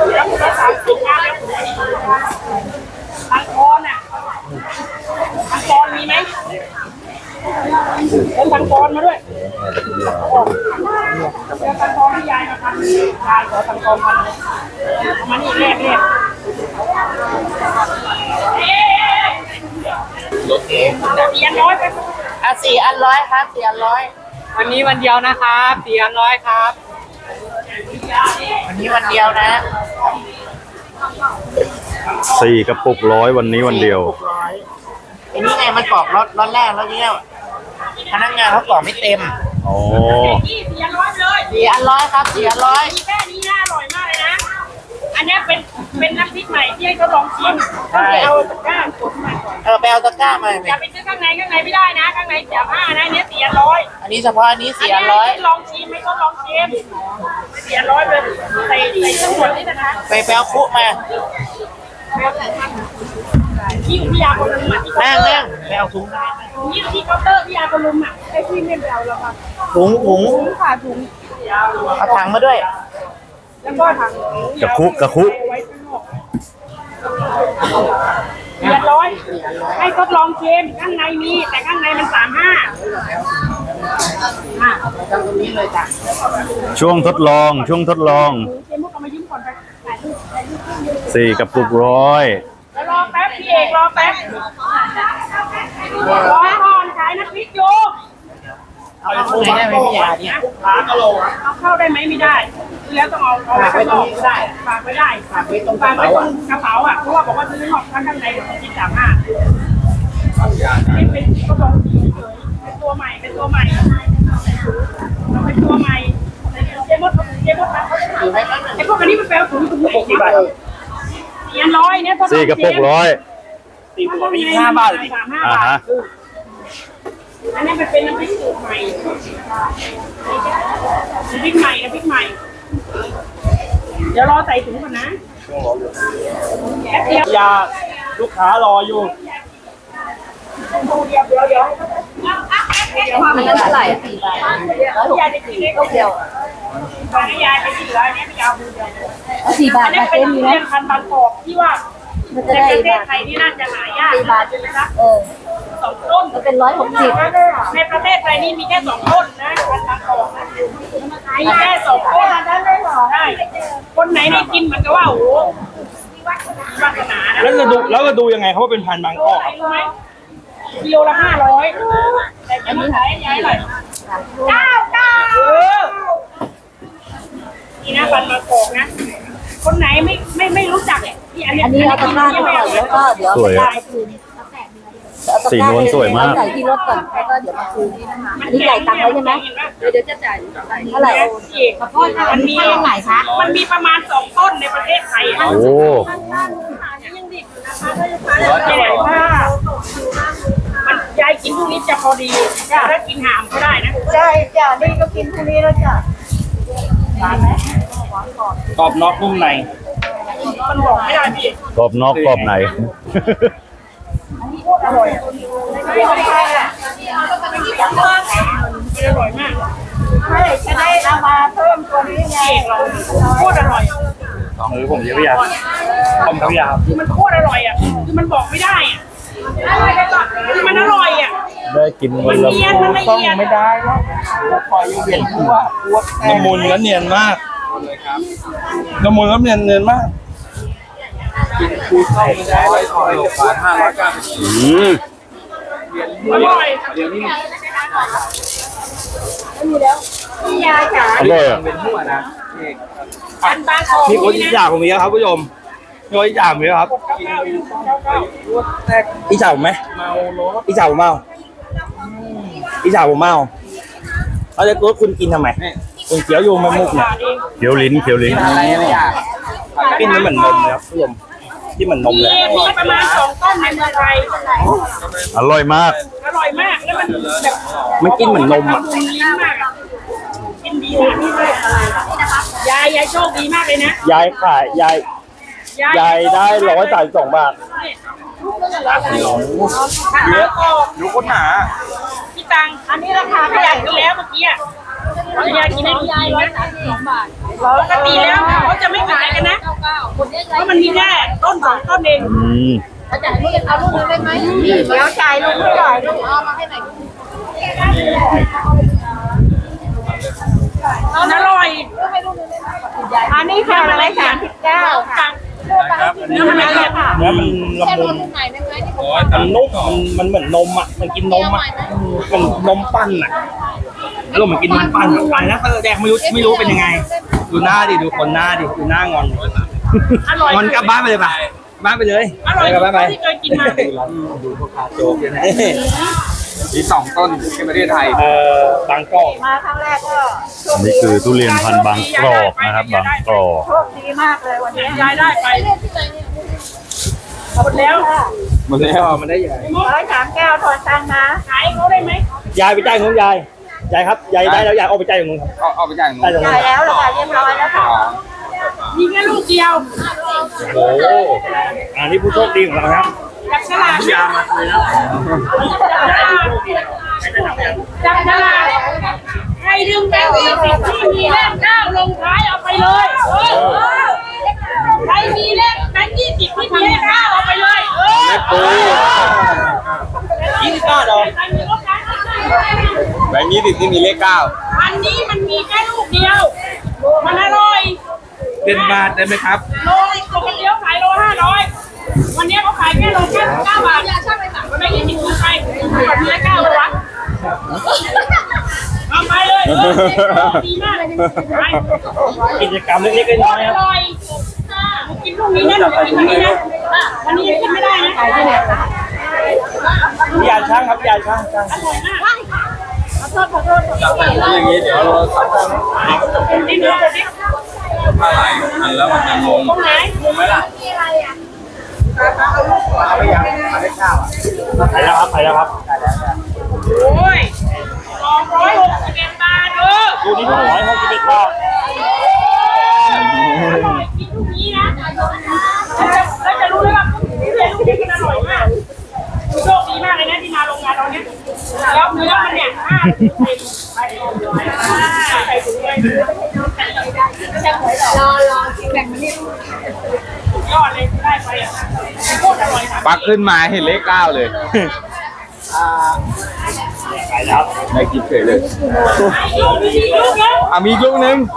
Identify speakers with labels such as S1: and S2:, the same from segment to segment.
S1: แล้วคุณสามสิบมาแล้วตังกรอ่ะตังกรมีไหมเดินตังกรมาด้วยเดินตังกรที่ยายมาทำยายขอตังกรพันมานี่แรกรถเอง400ไป
S2: 400ครับ400
S3: วันนี้วันเดียวนะครับ400ครับ
S2: วันนี้วันเดียวนะ
S4: 4 กระปุก100วันนี้วันเดียว
S2: อันนี้ไงมันกรอกรถแรกแล้วเนี่ยพนักงานเขากรอกไม่เต็ม
S4: อ๋อ
S1: 400เลย
S2: 400ครับ400
S1: แค่นี้น่าอร่อยมากเลยนะอันนี้เป็นน้ำพริกใหม่ที่ให้เขาลองชิมเอาตะกร้ากดมาก่อน
S2: ไปเอาตะกร้ามา
S1: อย่าไปซื้อข้างในไม่ได้นะข้างใน35นะเนี้ย400
S2: อันนี้เฉพาะอันนี้400
S1: ลองชิมไม่ต้องลองชิม400เลยใส่ทั้งหมดนี่นะคะ
S2: ไปเอาคุกมา
S1: ที่พี่ยาคนลุมอ่ะ
S2: นั่งไปเอาถุง
S1: นี่ที่เคาน์เตอร์พี่ยาคนลุมอ่ะให้พี่เล่นไปเอาแล้วค่ะ
S2: ถุง
S1: ค่ะถุง
S2: เอาถังมาด้วย
S1: แล้วก็ถัง
S4: กระคุ
S1: 400ให้ทดลองเค็มข้างในมีแต่ข้างในมัน35
S2: ตรงนี้เลยจ้ะ
S4: ช่วงทดลอง
S1: เค็มมุกเอามายิ้มก่อนไป
S4: 4 กระปุก100
S1: แล้วรอแป๊บพี่เอกรอแป๊บรอก่อนขายน้ำพริกอยู่
S2: เอาเข้าได้ไหมพี่ยาเนี่ย
S1: เอาเข้าได้ไหมไม่ได้แล้วต้องเอา
S2: ไว้ตรงนี้ได้
S1: ฝากไว้ได้
S2: ฝากไว้ตรงก
S1: ระเป๋าอ่ะเพราะว่าบอกว่าซื้อหอกข้างในกิน35นี่เป็นก็ลองดีเลยเป็นตัวใหม่เจมดไอ้พวกอันนี้มันแปลถุงไหนเนี่ย400เนี่ย
S4: 4 กระปุก100
S3: 45 บาท
S1: 35 บาทอันนี้มันเป็นน้ำพริกสูตรใหม่น้ำพริกใหม่เดี๋ยวรอใส่ถุงก่อนนะ
S3: ยาลูกค้ารออยู่
S2: มันเท่าไหร่4 บาท
S1: ยายจะกินได้เดียวตอนนี้ยายไปกินแล้วเนี่ยไม่เอาดูเดียว
S2: 4 บาท
S1: อันนี้เป็นทุเรียนพันธุ์บางกอกที่ว่าในประเทศไทยนี่น่าจะหายาก
S2: 4 บาทใช่ไหมคะ
S1: 2 ต้น
S2: มันเป็น160
S1: ในประเทศไทยนี่มีแค่2 ต้นนะพันธุ์บางกอกมีแค่2 ต้นใช่คนไหนได้กินมันก็ว่าโอ้โหวาสนานะ
S3: แล้วก็ดูยังไงเขาว่าเป็นพันธุ์บางกอก
S1: รู้ไหมกิโลละ500แต่จะมาขายยายหน่อยนี่นะพันธุ์บางกอกนะคนไหนไม่รู้จักเนี่ย
S2: อันนี้เอาตะกร้าก่อนแล้วก็เดี๋ยว
S4: สวยสีนวลสวยมาก
S2: ใส่ที่รถก่อนแล้วก็เดี๋ยวมาคืนอันนี้จ่ายตังค์ไว้ใช่ไหมเดี๋ยวจะจ่ายเท่าไหร่
S1: มันมีไหนคะมันมีประมาณ2 ต้นในประเทศไทย
S4: โอ้
S1: ใหญ่มากมันยายกินพวกนี้จะพอดีถ้ากินหามก็ได้นะ
S2: ใช่จ้ะนี่ก็กินพวกนี้แล้วจ้ะ
S3: กรอบนอกนุ่มใน
S1: มันบอกไม่ได้พี่
S4: กรอบนอกกรอบใน
S1: อร่อยอร่อยมาก
S2: จะได้เอามาเพิ่มตัวนี้ไง
S1: โคตรอร่อย
S3: ผมเยอะยาผมเขายา
S1: คือมันโคตรอร่อยอ่ะคือมันบอกไม่ได้อ่ะคือมันอร่อยอ่ะ
S4: ได้กิน
S1: มันเนียนมันละเอียด
S3: ไม่ได้แล้วคอยอยู่เห็นว่าละมุนและเนียนมากละมุนและเนียนมากกินคูเข้าไม่ได้เลยขอย590
S1: อร่อย
S3: เดี๋ยวนี้
S1: พี่ยาจ๋า
S4: อร่อยอ่ะ
S3: เป็นหัวนะ
S1: อันบางของ
S3: มีคนอีจ่าผมมีครับผู้ชมมีคนอีจ่าผมมีครับอีจ่าผมไหมอีจ่าผมเมาอีจ่าผมเมาเอาจะรถคุณกินทำไมคุณเคี้ยวโยมมามุกเนี่ย
S4: เคี้ยวลิ้น
S3: อะไรเนี่ยกินไม่เหมือนนมเลยครับผู้ชมที่เหมือนนมเลย
S1: มีประมาณ2 ต้นในเมืองไทย
S4: อร่อยมาก
S1: แล้วมันแบบ
S3: มันกินเหมือนนมอ่ะ
S1: กินดีมากยายโชคดีมากเลยนะ
S3: ยายขายยายได้132 บาท
S1: เยอะ
S3: ดูคนหนา
S1: พี่ตังอันนี้ราคาขยันกันแล้วเมื่อกี้ยายกินได้ดีนะ132 บาทปกติแล้วเขาจะไม่ขายกันนะมันมีแค่ต้น2 ต้นเอง
S5: อาจารย์นี่เอาลูกนึงได้ไหมเดี๋ยวจ่ายลูกไม่จ่ายลูกเอามาให้หน่อย
S1: มันอร่อย
S5: อันนี้ค่ะ139ค่ะ
S1: เนื้อมันละเอียดค่ะ
S3: เนื้อมันละ
S5: แค่
S3: มุ
S5: ลู
S3: น
S5: กใหม่ได้ไหมที่ผม
S3: มันนุ่มมันเหมือนนมอ่ะมันกินนมอ่ะมันนมปั้นอ่ะแล้วเหมือนกินมันปั้นอะไรนะแดงไม่รู้เป็นยังไง ดูหน้าดิดูคนหน้าดิดูหน้างอน
S1: อร่อย
S3: งอนกลับบ้านไปเลยป่ะบ้านไปเลย
S1: อร่อย
S3: กลับบ้านไป
S1: ที่เคยกินมา
S3: ดูพ่อค้าโจ๊กเนี่ยนะ
S2: มี2 ต้นในประเทศไทย
S3: บางกอก
S5: มาครั้งแรกก็โชค
S4: นี่คือทุเรียนพันธุ์บางกรอบนะครับ บางกรอบ
S5: โชคดีมากเลยวันนี้
S1: ยายได้ไปหมดแล้ว
S3: มันได้มันได้ใหญ่
S5: 139ถอนตังค์นะ
S1: ขายเขาได้ไหม
S3: ยายไปจ่ายของยายครับยายได้แล้วยายเอาไปจ่ายของนู้นครับ
S2: เอาไปจ่าย
S3: ได้ตรงนู้
S5: จ่าน ยแล้วเหรอคะเรียบร้อยแล้วค่ะ
S1: มีแค่ลูกเดียว
S3: โอ้อันนี้ผู้โชคดีของเราครับ
S1: จับฉลาก
S3: ยามาเลยแล้ว
S1: จับฉลากใครดึงแบงค์20ที่มีเลข9ลงท้ายเอาไปเลยใครมีเลขแบงค์20ที่มีเลข9เอาไปเลย
S3: 20 บาทเหรอ
S1: ใครมีรถนะ
S2: แบงค์20ที่มีเลข 9
S1: อันนี้มันมีแค่ลูกเดียว มันอร่อย
S3: เป็นบาทได้ไหมครับ
S1: โลปกติเขาขายโล500วันนี้เขาขายแค่โลแค่9 บาทมันไม่20คือใครก่อนมีละ9เลยวะเอาไปเลยดีมากเลยไป
S3: กิจกรรมเล็กๆน้อยๆ
S1: อ
S3: ครับ
S1: ร่อยกินลูกนี้นะกินวันนี้นะวันนี้ยังกินไม่ได้นะขายที่ไหนคะ
S3: พี่ยาช่างครับพี่ยาช่าง
S1: อร่อยมาก
S2: อย่างนี้เดี๋ยวเราทำได้
S1: นี่เนื้อดิ
S2: อะไรอันแล้วมันจะงง
S1: ตรงไหน
S2: ไหมล่ะเอาไปยังเอาได้ข้าว
S3: ไปแล้วครับ
S1: โอ้ย261 บาท
S3: ดูนี่261 บาท
S1: อร่อยกินลูกนี้นะแล้วจะรู้เลยว่าลูกนี้มันอร่อยมากโชคดีมากเลยนะที่มาโรงงานตอนนี้แล้วเนื้อมันเนี่ยใส่ถุงเลย
S5: รอกินแบ่งมานี่
S1: ยอดเลยได้ไปอ่ะโคตรอร่อยค่ะ
S2: ปักขึ้นมาเห็นเลข 9 เลย
S3: ไปแล้ว
S2: ได้กินเฉยเลย
S1: ลูกนี้ลูกเดียว
S2: มีอีกลูกนึง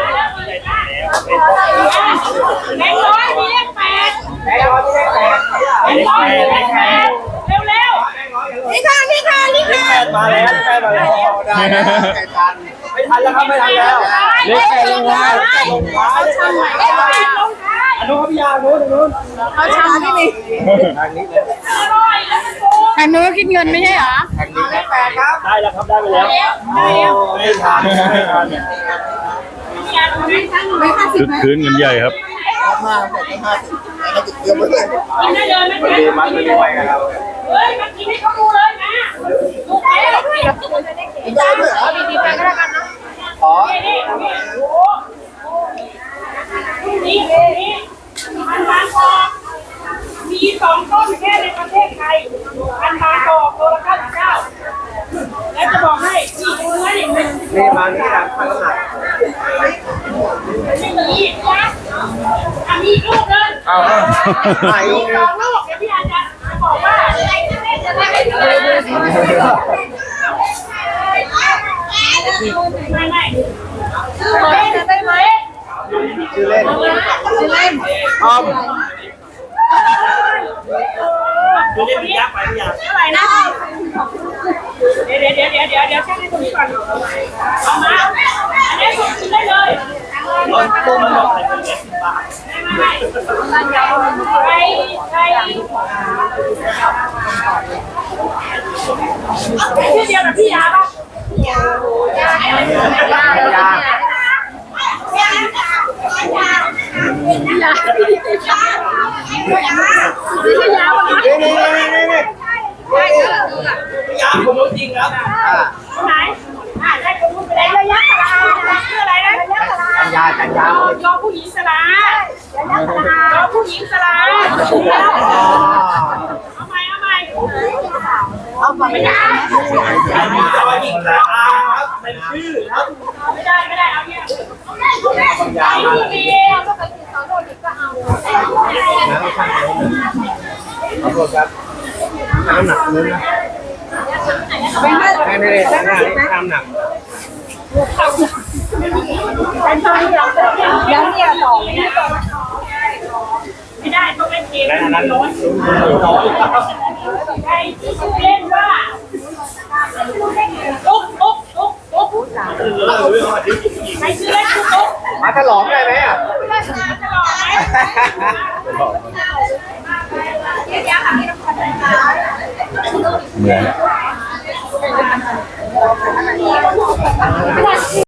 S1: เลขร้อยมีเลข8เลขร้อยมีเลข8เร็วๆนี่ค่ะ
S3: มาแล้ว
S2: ได้นะ
S3: ไม่ทันแล้วครับไม่ทันแล้วเลข8ลงท้ายลงท้าย
S1: เลข8ลงท้าย
S3: อันนู้นครับพี่ยาโน้น
S5: เอาชามที่มี
S3: ทางนี้
S1: อร่อยแล้วมันโกง
S5: อันนู้นคิดเงินไม่ใช่เหรอ
S2: แข่งดีเลข8ครับ
S3: ได้แล้วครับได้ไปแล้วไม่ทัน
S4: คึกคืนกันใหญ่ครับ
S1: กินได้เลยนะ
S2: ดีมั้ยไม่ได้ไปกันครับ
S1: เฮ้ยมันกินให้เขาดูเลยนะลูกเล็ก
S5: ได้ด้วยเหรอดีๆไปก็แล้วกันนะ
S1: นี่โอ้โหนี่มันบางกอกมี2 ต้นแค่ในประเทศไทยมันบางกอกโลละ99แล้วจะบอกให้นี่ดูเนื้อดิ
S2: นี่มานี่นะพันละหนัก
S1: ไม่มีนะมีอีกลูกนึง
S2: เอาถ่ายรูป
S1: สองลูกเดี๋ยวพี่อาจารย์บอกว่าไม่ชื่อเล่นได้ไหม
S2: ชื่อเล่น
S5: ชื่อเล่น
S2: อ้อม
S3: ดูนี่พี่ยักษ์ไปพี่ยักษ์
S1: เท่าไหร่นะเดี๋ยวช่างให้คนนี้ก่อนเอามาอันนี้ผมกินได้เลย
S3: ต้มมันบอกอะไรเป็น10 บาท
S1: ใครชื่อเดียวกับพี่ยาป่ะ
S2: ยา
S3: พี่ยาผมรู้จริงครับ
S1: คนไหนได้คนรู้ไปแล้วระยะสลาชื่ออะไรนะ
S2: ยา
S1: ยอผู้หญิงสลายอผู้หญิงสลาเอาใหม่ไม่ได้
S3: จอยหญิงแล้วครับเป็นชื่อครับ
S1: ไม่ได้เอาเนี่ย
S2: ยามา
S1: ดี
S2: ขอโทษครับน้ำหนักนู้นนะไม่ได้น้ำหนัก
S5: แล้วเนี่ยต่อไม่ได้
S1: ไม่ได้ต้องเล่นเกม
S2: และอันนั้น
S1: ใครที่ชื่อเล่นว่าตุ๊กตุ๊กตุ๊กตุ๊กใครชื่อเล่นตุ๊กตุ๊ก
S2: มาฉลองได้ไหมอ่ะ
S1: ตลอดไหม
S4: เหมือน